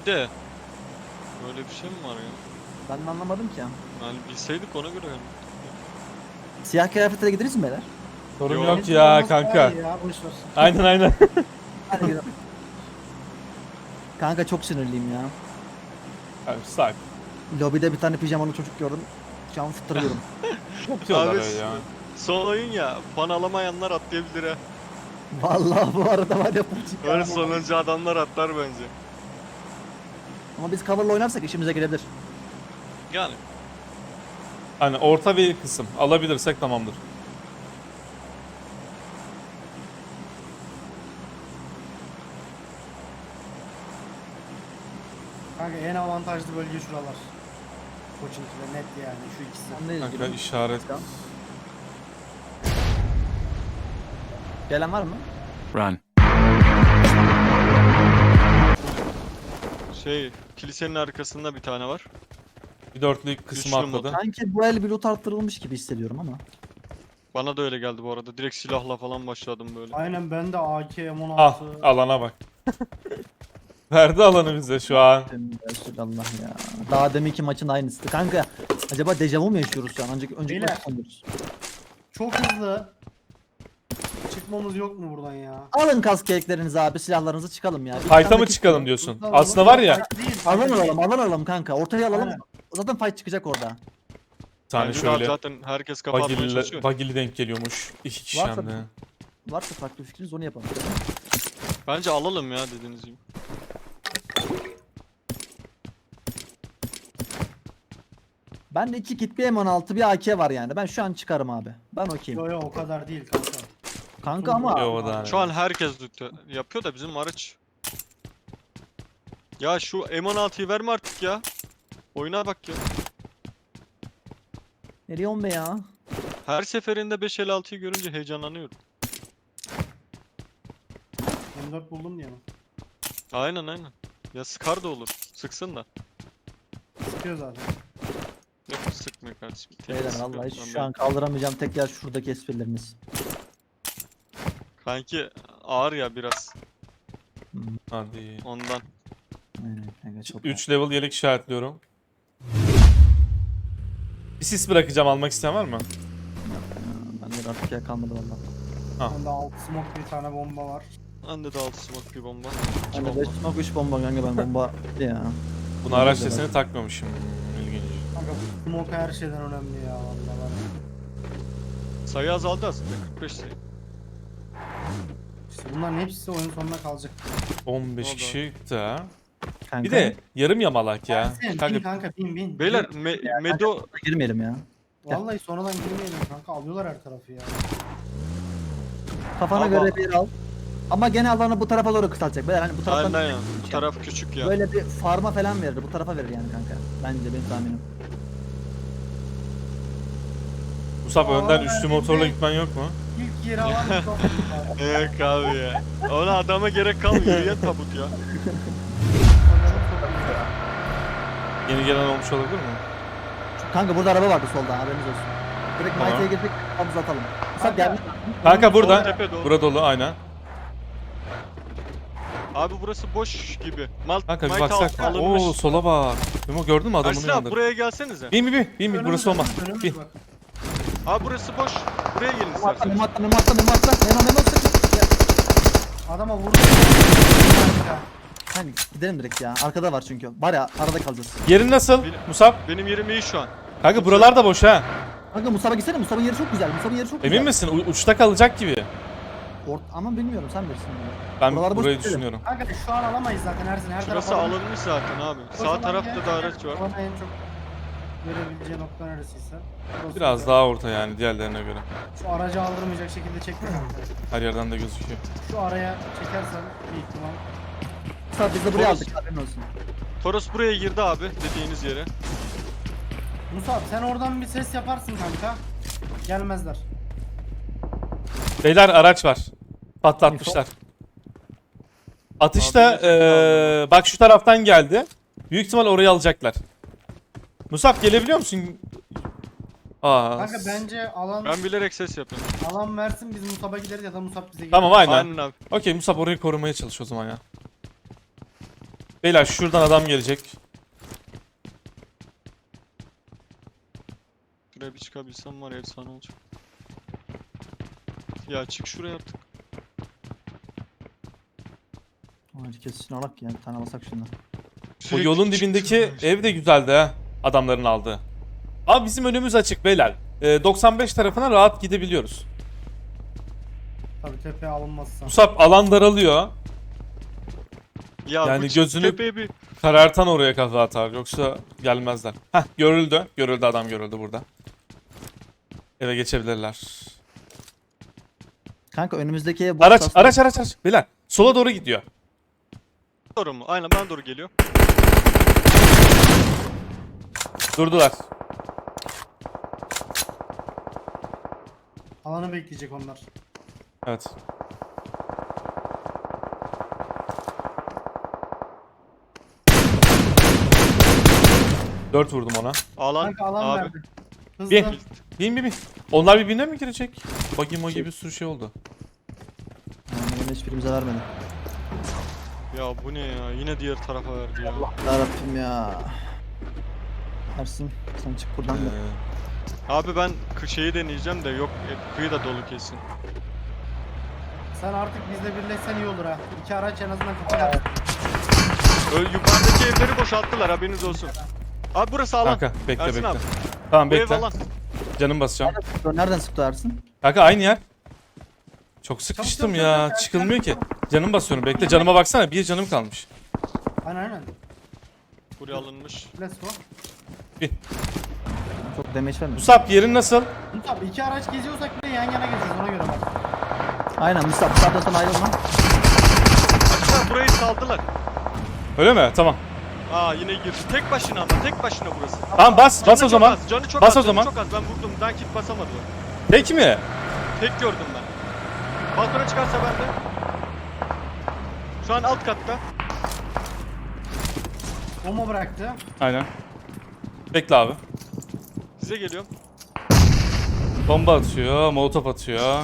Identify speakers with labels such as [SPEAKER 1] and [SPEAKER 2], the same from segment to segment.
[SPEAKER 1] İyi de böyle bir şey mi var ya?
[SPEAKER 2] Ben de anlamadım ki ya.
[SPEAKER 1] Yani bilseydik ona göre yani.
[SPEAKER 2] Siyah kıyafetle gideriz mi beyler?
[SPEAKER 3] Sorun
[SPEAKER 1] Yok.
[SPEAKER 3] yok ya
[SPEAKER 4] Olmaz daha
[SPEAKER 3] kanka.
[SPEAKER 4] iyi Ya, boş ver.
[SPEAKER 3] Aynen aynen.
[SPEAKER 2] Hadi gidelim. Kanka çok sinirliyim ya.
[SPEAKER 3] Abi sak.
[SPEAKER 2] Lobide bir tane pijamalı çocuk gördüm. Şu an fıttırıyorum.
[SPEAKER 3] Yapıyorlar
[SPEAKER 1] Abi,
[SPEAKER 3] öyle ya.
[SPEAKER 1] Son oyun ya. Puan alamayanlar atlayabilir ha.
[SPEAKER 2] Vallahi bu arada var ya puçik ya.
[SPEAKER 1] Öyle sonuncu adamlar atlar bence.
[SPEAKER 2] Ama biz cover'la oynarsak işimize gelebilir.
[SPEAKER 1] Yani.
[SPEAKER 3] Hani orta bir kısım alabilirsek tamamdır.
[SPEAKER 4] Kanka en avantajlı bölge şuralar. Koçinki'de net yani şu ikisi.
[SPEAKER 2] Anlayız
[SPEAKER 3] Kanka
[SPEAKER 2] gibi.
[SPEAKER 3] işaret.
[SPEAKER 2] Gelen var mı?
[SPEAKER 5] Run.
[SPEAKER 1] Kilisenin arkasında bir tane var.
[SPEAKER 3] Bir dörtlük kısmı
[SPEAKER 1] Güçlü mod.
[SPEAKER 3] atladı.
[SPEAKER 2] Sanki bu el bir loot arttırılmış gibi hissediyorum ama.
[SPEAKER 1] Bana da öyle geldi bu arada. Direkt silahla falan başladım böyle.
[SPEAKER 4] Aynen ben de AK M16.
[SPEAKER 3] Ah alana bak. Verdi alanı bize şu an.
[SPEAKER 2] Allah ya. Daha deminki maçın aynısı. Kanka acaba dejavu mu yaşıyoruz şu an? Önceki
[SPEAKER 4] Beyler.
[SPEAKER 2] maçı sanıyoruz.
[SPEAKER 4] Çok hızlı. Çıkmamız yok mu buradan ya?
[SPEAKER 2] Alın kask keyiklerinizi abi, silahlarınızı çıkalım ya. Bir
[SPEAKER 3] Fight'a
[SPEAKER 2] tane
[SPEAKER 3] mı
[SPEAKER 2] kit-
[SPEAKER 3] çıkalım diyorsun?
[SPEAKER 4] Hızlı
[SPEAKER 3] Aslında
[SPEAKER 4] alalım.
[SPEAKER 3] var ya.
[SPEAKER 4] Fight değil,
[SPEAKER 2] Alan
[SPEAKER 4] fight değil.
[SPEAKER 2] alalım kanka. Ortaya alalım.
[SPEAKER 4] Aynen.
[SPEAKER 2] Zaten fight çıkacak orada.
[SPEAKER 3] Bir tane
[SPEAKER 1] Bence de abi
[SPEAKER 3] şöyle
[SPEAKER 1] zaten herkes kafa atmaya çalışıyor.
[SPEAKER 3] bagili denk geliyormuş. İki kişi
[SPEAKER 2] Varsa-
[SPEAKER 3] hem de.
[SPEAKER 2] Varsa farklı fikriniz onu yapalım.
[SPEAKER 1] Bence alalım ya dediğiniz gibi.
[SPEAKER 2] Ben de 2 kit, bir M16, bir AK var yani. Ben şu an çıkarım abi. Ben okeyim.
[SPEAKER 4] Yo yo o kadar değil kanka.
[SPEAKER 2] Kanka ama
[SPEAKER 3] Yo, o da hani.
[SPEAKER 1] Şu an herkes yapıyor da bizim araç. Ya şu M16'yı verme artık ya. Oyuna bak ya.
[SPEAKER 2] nereye on be ya?
[SPEAKER 1] Her seferinde 556'yı görünce heyecanlanıyorum.
[SPEAKER 4] M4 buldum diye mi?
[SPEAKER 1] Aynen. Ya sıkar da olur. Sıksın da.
[SPEAKER 4] Sıkıyor zaten.
[SPEAKER 1] Yok sıkmıyor kardeşim.
[SPEAKER 2] Beyler
[SPEAKER 1] Sıkıyor.
[SPEAKER 2] vallahi
[SPEAKER 1] Ben
[SPEAKER 2] şu an kaldıramayacağım tek yer şuradaki esprileriniz.
[SPEAKER 1] Kanki ağır ya biraz
[SPEAKER 3] Hadi.
[SPEAKER 1] ondan.
[SPEAKER 2] Aynen kanka çok
[SPEAKER 3] 3 level yelek işaretliyorum. Bir sis bırakacağım, almak isteyen var mı?
[SPEAKER 2] Ben de artık yer kalmadı valla.
[SPEAKER 3] Ha.
[SPEAKER 4] Bende alt smoke bir tane bomba var.
[SPEAKER 1] Bende de 6 smoke bir bomba. İki
[SPEAKER 2] Ben de
[SPEAKER 1] bomba.
[SPEAKER 2] 5 smoke 3 bomba kanka, ben bomba ya.
[SPEAKER 3] Bunu araç sesini takmamışım. İlginç.
[SPEAKER 4] Kanka bu smoke her şeyden önemli ya vallahi.
[SPEAKER 1] Sayı azaldı aslında 45 sayı.
[SPEAKER 4] İşte bunların hepsi oyun sonuna kalacak.
[SPEAKER 3] 15
[SPEAKER 1] Oldu.
[SPEAKER 3] kişi de.
[SPEAKER 2] Kanka,
[SPEAKER 3] Bir de yarım yamalak ya.
[SPEAKER 4] Bin
[SPEAKER 3] Kanka
[SPEAKER 4] kanka bin.
[SPEAKER 1] Beyler Medo
[SPEAKER 2] girmeyelim ya.
[SPEAKER 4] Vallahi sonradan girmeyelim kanka alıyorlar her tarafı ya.
[SPEAKER 2] Kafana
[SPEAKER 1] Ama-
[SPEAKER 2] göre bir al. Ama gene alanı bu tarafa doğru kısaltacak. Beyler hani bu taraftan
[SPEAKER 1] aynen ya. Bu taraf küçük ya.
[SPEAKER 2] böyle bir farma falan verir. Bu tarafa verir yani kanka. Bence benim tahminim.
[SPEAKER 3] Musab önden
[SPEAKER 4] Aa,
[SPEAKER 3] üçlü
[SPEAKER 4] ben
[SPEAKER 3] motorla
[SPEAKER 4] de-
[SPEAKER 3] gitmen yok mu?
[SPEAKER 4] İlk yeri alan bir top var.
[SPEAKER 1] Yok abi ya. Ona adama gerek kalmıyor. Yürüyen tabut ya.
[SPEAKER 3] Yeni gelen olmuş olabilir mi?
[SPEAKER 2] Kanka burada araba vardı solda, haberiniz olsun. Direkt
[SPEAKER 3] Tamam.
[SPEAKER 2] Mighty'ye girdik, kafamızı atalım. Musab
[SPEAKER 4] Kanka.
[SPEAKER 2] geldi.
[SPEAKER 3] Kanka
[SPEAKER 1] Sol
[SPEAKER 3] burada.
[SPEAKER 1] tepe doğru.
[SPEAKER 3] Burada dolu aynen.
[SPEAKER 1] Abi burası boş gibi.
[SPEAKER 3] Kanka bir
[SPEAKER 1] Might
[SPEAKER 3] baksak.
[SPEAKER 1] alınmış.
[SPEAKER 3] Oo sola bak. Memo gördün mü adamın
[SPEAKER 1] Ersin abi
[SPEAKER 3] yanında?
[SPEAKER 1] buraya gelsenize.
[SPEAKER 3] Bin burası olmaz.
[SPEAKER 4] Önümüz
[SPEAKER 3] Bin.
[SPEAKER 4] bak.
[SPEAKER 1] Abi burası boş. Buraya gelin
[SPEAKER 2] Memo atla,
[SPEAKER 1] isterseniz.
[SPEAKER 2] Memo atla, Memo atla, Memo atla. Memo atla. Gel.
[SPEAKER 4] Adama vurdu.
[SPEAKER 2] Hani gidelim direkt ya. Arkada var çünkü. Var ya, arada kalacağız.
[SPEAKER 3] Yerin nasıl
[SPEAKER 1] Bil-
[SPEAKER 3] Musab?
[SPEAKER 1] Benim yerim iyi şu an.
[SPEAKER 3] Kanka buralar da boş ha.
[SPEAKER 2] Kanka Musab'a gitsene. Musab'ın yeri çok güzel. Musab'ın yeri çok güzel.
[SPEAKER 3] Emin misin? Uçta kalacak gibi.
[SPEAKER 2] Ama bilmiyorum, sen bilirsin bunu.
[SPEAKER 3] Ben
[SPEAKER 2] Buralar boş
[SPEAKER 3] burayı
[SPEAKER 2] değil.
[SPEAKER 3] düşünüyorum.
[SPEAKER 4] Kanka şu an alamayız zaten Ersin her
[SPEAKER 1] Şurası
[SPEAKER 4] taraf
[SPEAKER 1] alınmış zaten abi.
[SPEAKER 4] O
[SPEAKER 1] Sağ
[SPEAKER 4] zaman
[SPEAKER 1] tarafta
[SPEAKER 4] gel,
[SPEAKER 1] da araç var.
[SPEAKER 4] Bana en çok görebileceği nokta neresiyse. Burası
[SPEAKER 3] Biraz
[SPEAKER 4] güzel.
[SPEAKER 3] daha orta yani diğerlerine göre.
[SPEAKER 4] Şu aracı aldırmayacak şekilde çekme kanka.
[SPEAKER 3] Her yerden de gözüküyor.
[SPEAKER 4] Şu araya çekersen bir ihtimal.
[SPEAKER 2] Musab biz de buraya
[SPEAKER 1] Toros.
[SPEAKER 2] aldık, haberin olsun.
[SPEAKER 1] Toros buraya girdi abi dediğiniz yere.
[SPEAKER 4] Musab sen oradan bir ses yaparsın kanka. Gelmezler.
[SPEAKER 3] Beyler araç var. Patlatmışlar. Atışta
[SPEAKER 1] Abi, gerçekten
[SPEAKER 3] bak şu taraftan geldi. Büyük ihtimal orayı alacaklar. Musab gelebiliyor musun? Aa.
[SPEAKER 4] Kanka bence alan
[SPEAKER 1] Ben bilerek ses yapıyorum.
[SPEAKER 4] alan versin biz Musab'a gideriz ya da Musab bize gelir.
[SPEAKER 3] Tamam aynen.
[SPEAKER 1] Aynen abi.
[SPEAKER 3] Okey Musab orayı korumaya çalış o zaman ya. Beyler şuradan adam gelecek.
[SPEAKER 1] Şuraya bir çıkabilsem var ya, efsane olacak. Ya çık şuraya artık.
[SPEAKER 2] Herkes şuna bak ya. Bir tane alsak şundan.
[SPEAKER 3] Bu
[SPEAKER 1] Sürekli
[SPEAKER 3] yolun
[SPEAKER 1] çık
[SPEAKER 3] dibindeki
[SPEAKER 1] şuraya.
[SPEAKER 3] ev de güzeldi ha. Adamların aldığı. Abi bizim önümüz açık beyler. 95 tarafına rahat gidebiliyoruz.
[SPEAKER 4] Tabii tepeye alınmazsa.
[SPEAKER 3] Musab alan daralıyor.
[SPEAKER 1] Ya
[SPEAKER 3] Yani
[SPEAKER 1] bu çık
[SPEAKER 3] gözünü-
[SPEAKER 1] tepeye bir...
[SPEAKER 3] Karartan oraya kafa atar. Yoksa gelmezler. Heh görüldü. Görüldü, adam görüldü burada. Eve geçebilirler.
[SPEAKER 2] Kanka önümüzdeki ev boş.
[SPEAKER 3] Araç
[SPEAKER 2] aslında.
[SPEAKER 3] araç araç araç. Beyler sola doğru gidiyor.
[SPEAKER 1] Doğru mu? Aynen bana doğru geliyor.
[SPEAKER 3] Durdular.
[SPEAKER 4] Alanı bekleyecek onlar.
[SPEAKER 3] Evet. Dört vurdum ona.
[SPEAKER 1] Alan,
[SPEAKER 4] Kanka alan
[SPEAKER 1] abi.
[SPEAKER 4] verdi. Hızlı.
[SPEAKER 3] Bir. Bin. Onlar birbirine mi girecek? Buggy magi bir sürü şey oldu.
[SPEAKER 2] Yani hiçbirimize vermedi.
[SPEAKER 1] Ya bu ne ya? Yine diğer tarafa verdi ya.
[SPEAKER 2] Yarabbim ya. Ersin sen çık buradan da.
[SPEAKER 1] Abi ben şeyi deneyeceğim de yok, kıyı da dolu kesin.
[SPEAKER 4] Sen artık bizle birleşsen iyi olur ha. İki araç en azından kapılar.
[SPEAKER 1] Yukarıdaki evleri boşalttılar, haberiniz olsun. Abi burası alan.
[SPEAKER 3] Kanka bekle
[SPEAKER 1] Ersin
[SPEAKER 3] bekle.
[SPEAKER 1] abi.
[SPEAKER 3] Tamam
[SPEAKER 1] Bu ev
[SPEAKER 3] bekle.
[SPEAKER 1] alan.
[SPEAKER 3] Canım basacağım.
[SPEAKER 2] Nereden sıktı Ersin?
[SPEAKER 3] Kanka aynı yer. Çok sıkıştım
[SPEAKER 4] çabuk,
[SPEAKER 3] ya.
[SPEAKER 4] çabuk,
[SPEAKER 3] Çıkılmıyor ki. Canım basıyorum. Bekle canıma baksana. Bir canım kalmış.
[SPEAKER 4] Aynen.
[SPEAKER 1] Buraya alınmış.
[SPEAKER 4] Let's go.
[SPEAKER 2] Çok damage vermedi.
[SPEAKER 3] Musab yerin nasıl?
[SPEAKER 4] Musab iki araç geziyorsak bile yan yana geziyoruz ona göre bak.
[SPEAKER 2] Aynen Musab sağda sana ayrılma.
[SPEAKER 1] Aşağı burayı saldılar.
[SPEAKER 3] Öyle mi? Tamam.
[SPEAKER 1] Aa yine girdi. Tek başına ama, tek başına burası.
[SPEAKER 3] Tamam bas. Bas o
[SPEAKER 1] Canı çok
[SPEAKER 3] zaman.
[SPEAKER 1] az, canı çok
[SPEAKER 3] Bas
[SPEAKER 1] az,
[SPEAKER 3] o
[SPEAKER 1] canı
[SPEAKER 3] zaman.
[SPEAKER 1] Çok az. Ben vurdum. Ben kit basamadım.
[SPEAKER 3] Tek mi?
[SPEAKER 1] Tek gördüm ben. Balkona çıkarsa ben de. Şu an alt katta.
[SPEAKER 4] Bomba bıraktı.
[SPEAKER 3] Aynen. Bekle abi.
[SPEAKER 1] Size geliyorum.
[SPEAKER 3] Bomba atıyor. Molotof atıyor.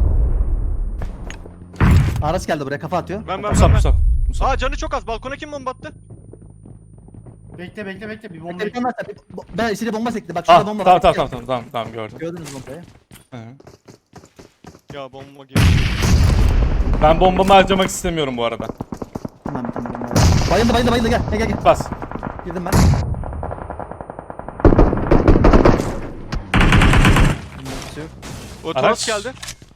[SPEAKER 2] Araç geldi buraya kafa atıyor.
[SPEAKER 1] Ben.
[SPEAKER 3] Musab Musab. Musab.
[SPEAKER 1] Aa canı çok az. Balkona kim bomba attı?
[SPEAKER 4] Bekle bir bomba.
[SPEAKER 2] Bekle bomba attı. Ben içeri bomba sekti. Bak
[SPEAKER 3] Ah,
[SPEAKER 2] şurada bomba
[SPEAKER 3] tamam,
[SPEAKER 2] var.
[SPEAKER 3] tamam gördüm.
[SPEAKER 2] Gördünüz bombayı.
[SPEAKER 3] Hı.
[SPEAKER 1] Ya bomba girdi.
[SPEAKER 3] Ben bombamı harcamak istemiyorum bu arada.
[SPEAKER 2] Tamam bir tane bomba var. Bayıldı gel.
[SPEAKER 3] Bas.
[SPEAKER 2] Girdim ben.
[SPEAKER 1] O
[SPEAKER 3] Araç.
[SPEAKER 1] Toros geldi.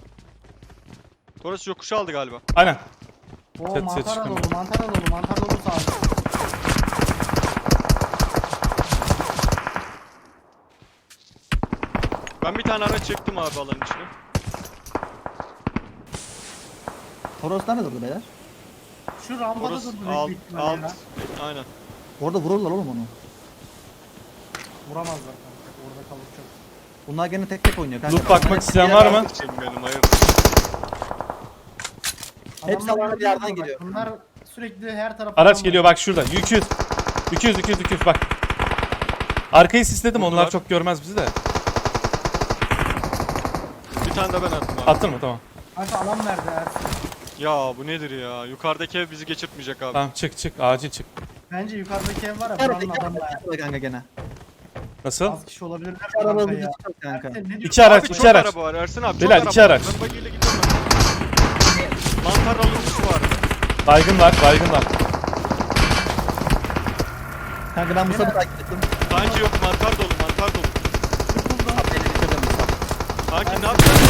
[SPEAKER 1] Toros yokuşu aldı galiba.
[SPEAKER 3] Aynen.
[SPEAKER 4] Oo
[SPEAKER 3] Çatıya
[SPEAKER 4] mantar
[SPEAKER 3] çıkın.
[SPEAKER 4] dolu, mantar dolu sağ ol.
[SPEAKER 1] Ben bir tane araç çektim abi alanın içine.
[SPEAKER 2] Toros nerede durdu beyler?
[SPEAKER 4] Şu rampada
[SPEAKER 1] Toros
[SPEAKER 4] durdu
[SPEAKER 1] alt,
[SPEAKER 4] büyük ihtimalle ya.
[SPEAKER 1] aynen.
[SPEAKER 2] Orada vururlar oğlum onu.
[SPEAKER 4] Vuramazlar kanka. Orada kalır çok.
[SPEAKER 2] Bunlar gene tek oynuyor kanka.
[SPEAKER 3] Loot bakmak
[SPEAKER 2] Bunlar
[SPEAKER 3] isteyen
[SPEAKER 2] hep
[SPEAKER 3] var
[SPEAKER 2] bir
[SPEAKER 3] mı?
[SPEAKER 2] yerden-
[SPEAKER 1] Şimdi benim hayır.
[SPEAKER 2] Hepsi
[SPEAKER 4] Adamlar
[SPEAKER 2] alana bir yerden
[SPEAKER 4] bak,
[SPEAKER 2] geliyor.
[SPEAKER 4] Bunlar sürekli her tarafa.
[SPEAKER 3] Araç geliyor bak şurada. 200 bak. Arkayı sisledim, onlar
[SPEAKER 1] Vurdular.
[SPEAKER 3] çok görmez bizi de.
[SPEAKER 1] Bir tane de ben attım abi.
[SPEAKER 3] Attın mı? Tamam.
[SPEAKER 4] Kanka alan verdi Ersin.
[SPEAKER 1] Ya bu nedir ya? Yukarıdaki ev bizi geçirtmeyecek abi.
[SPEAKER 3] Tamam çık acil çık.
[SPEAKER 4] Bence yukarıdaki ev var ya
[SPEAKER 2] Nerede?
[SPEAKER 4] buranın adamı ya.
[SPEAKER 2] Nerede kanka gene?
[SPEAKER 3] Nasıl?
[SPEAKER 4] Az kişi olabilirler
[SPEAKER 2] Bir araba
[SPEAKER 4] kanka
[SPEAKER 2] vurdu
[SPEAKER 4] ya.
[SPEAKER 2] çıkar kanka.
[SPEAKER 4] Ersin, ne diyorsun?
[SPEAKER 3] İki araç,
[SPEAKER 1] Abi
[SPEAKER 3] iki
[SPEAKER 1] çok
[SPEAKER 3] araç.
[SPEAKER 1] araba var Ersin abi.
[SPEAKER 3] Beyler,
[SPEAKER 1] çok
[SPEAKER 3] iki
[SPEAKER 1] araba
[SPEAKER 3] araç.
[SPEAKER 1] var. Ben bagiyle gidiyorum ben. Mantar alınmış var.
[SPEAKER 3] Baygın var.
[SPEAKER 2] Kanka ben Musab'ı takip ettim.
[SPEAKER 1] Sanki yok, mantar dolu.
[SPEAKER 4] Sıkıldım.
[SPEAKER 2] Beni bitirdim Musab.
[SPEAKER 1] Sanki ne yapacaksın?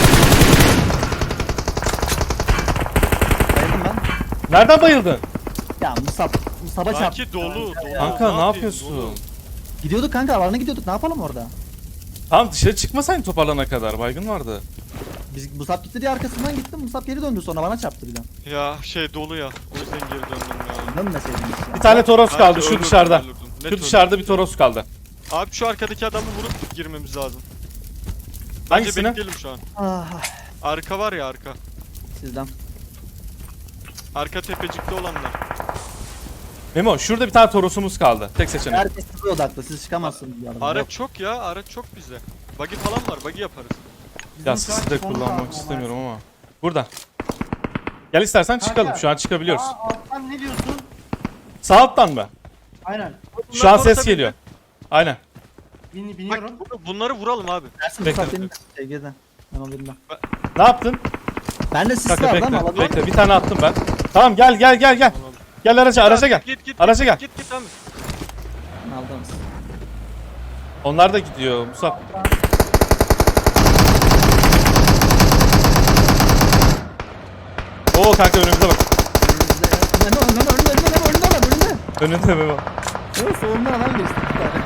[SPEAKER 2] Bayıldım ben.
[SPEAKER 3] Nereden bayıldın?
[SPEAKER 2] Ya Musab'a çarptı.
[SPEAKER 1] Sanki dolu.
[SPEAKER 3] Kanka ne
[SPEAKER 1] yapayım,
[SPEAKER 3] yapıyorsun?
[SPEAKER 1] dolu.
[SPEAKER 2] Gidiyorduk kanka alana gidiyorduk. Ne yapalım orada?
[SPEAKER 3] Tamam dışarı çıkmasaydın toparlana kadar. Baygın vardı.
[SPEAKER 2] Biz Musab gitti diye arkasından gittim. Musab geri döndü sonra bana çarptı bir daha.
[SPEAKER 1] Ya dolu ya. O yüzden geri döndüm ya.
[SPEAKER 2] Dönmeseydiniz ya.
[SPEAKER 3] Bir tane Toros
[SPEAKER 1] Sanki
[SPEAKER 3] kaldı şu
[SPEAKER 1] ölürdüm,
[SPEAKER 3] dışarıda.
[SPEAKER 1] ölürdüm. Net
[SPEAKER 3] Şu
[SPEAKER 1] ölürdüm.
[SPEAKER 3] dışarıda bir Toros kaldı.
[SPEAKER 1] Abi şu arkadaki adamı vurup girmemiz lazım. Bence
[SPEAKER 3] Hangisini?
[SPEAKER 1] bekleyelim şu an.
[SPEAKER 2] Ah,
[SPEAKER 1] Arka var ya, arka.
[SPEAKER 2] sizden.
[SPEAKER 1] Arka tepecikte olanlar.
[SPEAKER 3] Memo şurada bir tane Toros'umuz kaldı. Tek seçenek.
[SPEAKER 2] Herkes size odaklı. Siz çıkamazsınız bu arada.
[SPEAKER 1] Araç
[SPEAKER 2] Yok.
[SPEAKER 1] çok ya, araç çok bize. Buggy falan var, buggy yaparız.
[SPEAKER 4] Bizim
[SPEAKER 3] Ya
[SPEAKER 4] şu an
[SPEAKER 3] sizi de
[SPEAKER 4] son
[SPEAKER 3] kullanmak
[SPEAKER 4] kaldı
[SPEAKER 3] istemiyorum ama. Burada. Gel istersen
[SPEAKER 4] Kanka,
[SPEAKER 3] çıkalım. Şu an çıkabiliyoruz.
[SPEAKER 4] Aa, alttan ne diyorsun?
[SPEAKER 3] Sağ alttan mı?
[SPEAKER 4] Aynen.
[SPEAKER 3] Şu an
[SPEAKER 1] Bunlar
[SPEAKER 3] ses
[SPEAKER 1] orta
[SPEAKER 3] geliyor. Aynen.
[SPEAKER 4] Biniyorum.
[SPEAKER 1] Bak, bunları vuralım abi.
[SPEAKER 2] Ersin
[SPEAKER 3] Bekle.
[SPEAKER 2] Musab benim SG'den. Ben onu bilmem.
[SPEAKER 3] Ne yaptın?
[SPEAKER 2] Ben de sis
[SPEAKER 3] Kanka
[SPEAKER 2] vardı ama
[SPEAKER 3] bekle.
[SPEAKER 2] alabilir
[SPEAKER 3] Bekle. Bir tane attım ben. Tamam gel. Gel araca gel.
[SPEAKER 1] Git
[SPEAKER 3] Araca gel.
[SPEAKER 1] Git abi.
[SPEAKER 2] Aldınız.
[SPEAKER 3] Onlar da gidiyor Musab. Oo kanka önümüze bak.
[SPEAKER 2] Önünde.
[SPEAKER 3] Önünde Memo.
[SPEAKER 2] Evet solundan adam geçti. Bir tane.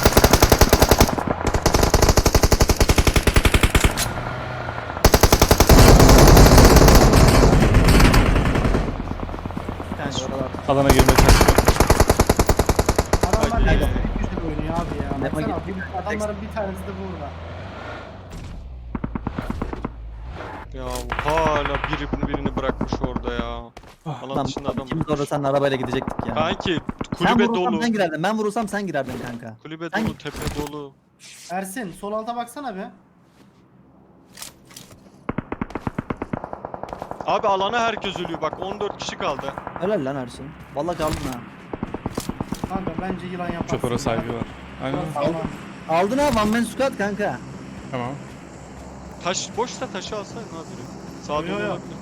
[SPEAKER 2] Bir tane de oralar.
[SPEAKER 3] Alana girmeye çalışıyor.
[SPEAKER 4] Adamlar
[SPEAKER 1] Hadi.
[SPEAKER 4] ne güzel oynuyor abi ya.
[SPEAKER 2] Memo
[SPEAKER 4] Baksana,
[SPEAKER 2] gitti.
[SPEAKER 4] adamların bir tanesi de burada.
[SPEAKER 1] Ya hala birini bırakmış orada ya. Alan
[SPEAKER 2] Lan
[SPEAKER 1] dışında adam.
[SPEAKER 2] ikimiz orada seninle arabayla gidecektik ya.
[SPEAKER 1] Kanki
[SPEAKER 2] Sen
[SPEAKER 1] kulübe
[SPEAKER 2] vurursam
[SPEAKER 1] dolu.
[SPEAKER 2] sen girerdin. Ben vurursam sen girerdin kanka.
[SPEAKER 1] Kulübe
[SPEAKER 2] Sen-
[SPEAKER 1] dolu, tepe dolu.
[SPEAKER 4] Ersin sol alta baksana bir.
[SPEAKER 1] Abi alana herkes ölüyor bak 14 kişi kaldı.
[SPEAKER 2] Helal lan Ersin. Vallahi kaldın ha.
[SPEAKER 4] Kanka bence yılan yaparsın.
[SPEAKER 3] Çopara saygı var. Aynen.
[SPEAKER 4] Tamam.
[SPEAKER 2] Aldın ha one man squad kanka.
[SPEAKER 3] Tamam.
[SPEAKER 1] Taş boşsa taşı alsaydın abi. Sağa
[SPEAKER 4] Yo,
[SPEAKER 1] dolu
[SPEAKER 4] yo.
[SPEAKER 1] olabilir.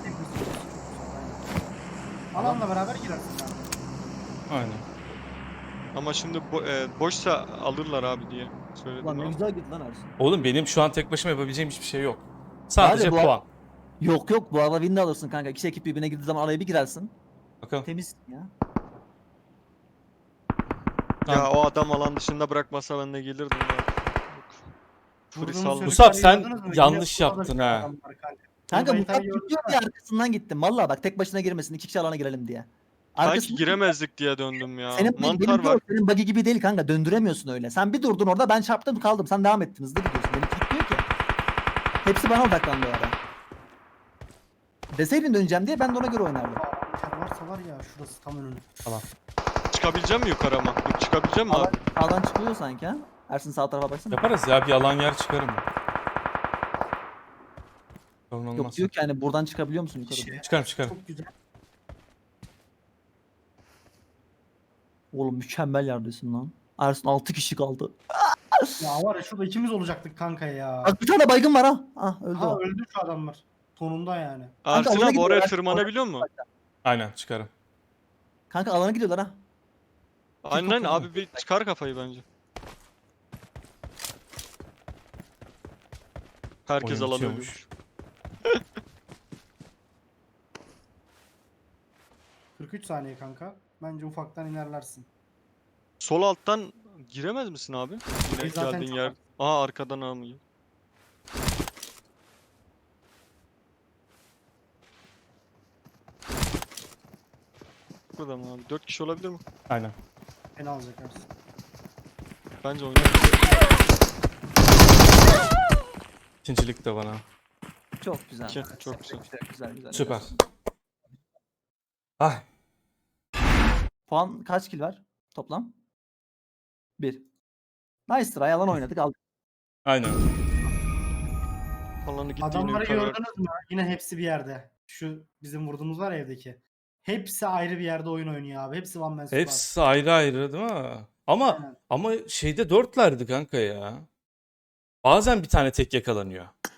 [SPEAKER 4] Alanla beraber girersin abi.
[SPEAKER 3] Aynen.
[SPEAKER 1] Ama şimdi boşsa alırlar abi diye söyledim
[SPEAKER 2] Ulan ne
[SPEAKER 1] abi.
[SPEAKER 2] güzel gitti lan Ersin.
[SPEAKER 3] Oğlum benim şu an tek başıma yapabileceğim hiçbir şey yok. Sadece
[SPEAKER 2] Abi bu-
[SPEAKER 3] puan.
[SPEAKER 2] Yok bu arada win de alırsın kanka. İki ekip birbirine girdiği zaman araya bir girersin.
[SPEAKER 3] Bakalım.
[SPEAKER 2] Temiz ya.
[SPEAKER 1] Ya o adam alan dışında bırakmasa ben de gelirdim ya. Free
[SPEAKER 4] Vurduğumuz
[SPEAKER 1] saldım.
[SPEAKER 3] Musab,
[SPEAKER 4] çocukları
[SPEAKER 3] sen
[SPEAKER 4] gördünüz mü?
[SPEAKER 3] yanlış
[SPEAKER 4] Yine burada
[SPEAKER 3] yaptın
[SPEAKER 4] bir
[SPEAKER 3] ha.
[SPEAKER 4] adam var kanka.
[SPEAKER 2] Kanka
[SPEAKER 4] Bunu
[SPEAKER 2] Musab
[SPEAKER 4] Mayta'yı gördün
[SPEAKER 2] gidiyor
[SPEAKER 4] mü?
[SPEAKER 2] diye arkasından gittim. Valla bak tek başına girmesin. İki kişi alana girelim diye.
[SPEAKER 1] Sanki
[SPEAKER 2] Arkasından-
[SPEAKER 1] giremezdik diye döndüm ya.
[SPEAKER 2] Senin
[SPEAKER 1] Mantar
[SPEAKER 2] benim
[SPEAKER 1] var.
[SPEAKER 2] senin buggy gibi değil kanka. Döndüremiyorsun öyle. Sen bir durdun orada ben çarptım kaldım. Sen devam ettin. Hızlı gidiyorsun. Benim gitmiyor ki. Hepsi bana odaklandı o ara. Deseydin döneceğim diye ben de ona göre oynardım.
[SPEAKER 4] Aa, varsa var ya şurası tam önünü.
[SPEAKER 1] Çıkabileceğim mi yukarı ama? Yok, çıkabileceğim mi
[SPEAKER 2] Sağdan,
[SPEAKER 1] abi?
[SPEAKER 2] sağdan çıkılıyor sanki ha. Ersin sağ tarafa baksana.
[SPEAKER 3] Yaparız ya bir alan yer çıkarım. Sorun
[SPEAKER 2] Yok
[SPEAKER 3] olmaz.
[SPEAKER 2] diyor ki hani buradan çıkabiliyor musun yukarı diye.
[SPEAKER 3] Çıkarım.
[SPEAKER 4] Çok güzel.
[SPEAKER 2] Oğlum mükemmel yerdesin lan. Ersin 6 kişi kaldı.
[SPEAKER 4] Ya var ya şurada ikimiz olacaktık kanka ya.
[SPEAKER 2] Bak bir tane baygın var ha. Ah öldü
[SPEAKER 4] Ha
[SPEAKER 2] o.
[SPEAKER 4] öldü şu adamlar. Tonunda yani.
[SPEAKER 2] Kanka,
[SPEAKER 1] Ersin
[SPEAKER 2] alana
[SPEAKER 1] abi oraya
[SPEAKER 2] gidiyorlar.
[SPEAKER 1] tırmanabiliyor mu?
[SPEAKER 3] Aynen çıkarım.
[SPEAKER 2] Kanka alana gidiyorlar ha.
[SPEAKER 1] Aynen
[SPEAKER 2] kapı
[SPEAKER 1] abi bir çıkar kafayı bence. Herkes
[SPEAKER 3] Oyun
[SPEAKER 1] alan
[SPEAKER 3] bitiyormuş.
[SPEAKER 1] ölmüş.
[SPEAKER 4] 43 saniye kanka. Bence ufaktan inerlersin.
[SPEAKER 1] Sol alttan giremez misin abi? Yine
[SPEAKER 4] Biz zaten
[SPEAKER 1] geldiğin
[SPEAKER 4] çok
[SPEAKER 1] yer. Aa arkadan almıyor. Burada mı abi? 4 kişi olabilir mi?
[SPEAKER 3] Aynen.
[SPEAKER 4] Beni alacak Ersin.
[SPEAKER 1] Bence oynar.
[SPEAKER 3] İkincilik de bana.
[SPEAKER 2] Çok güzel.
[SPEAKER 1] Çok güzel.
[SPEAKER 2] Güzel.
[SPEAKER 3] Süper. Ay.
[SPEAKER 2] Puan kaç kill var toplam? 1. Nice try alan oynadık aldık.
[SPEAKER 3] Aynen.
[SPEAKER 1] Alanı gittiğini
[SPEAKER 4] Adamları
[SPEAKER 1] yukarı.
[SPEAKER 4] gördünüz mü? Yine hepsi bir yerde. Şu bizim vurduğumuz var ya evdeki. Hepsi ayrı bir yerde oyun oynuyor abi. Hepsi one man squad.
[SPEAKER 3] Hepsi ayrı ayrı değil mi? Ama
[SPEAKER 4] Aynen.
[SPEAKER 3] ama şeyde dörtlerdi kanka ya. Bazen bir tane tek yakalanıyor.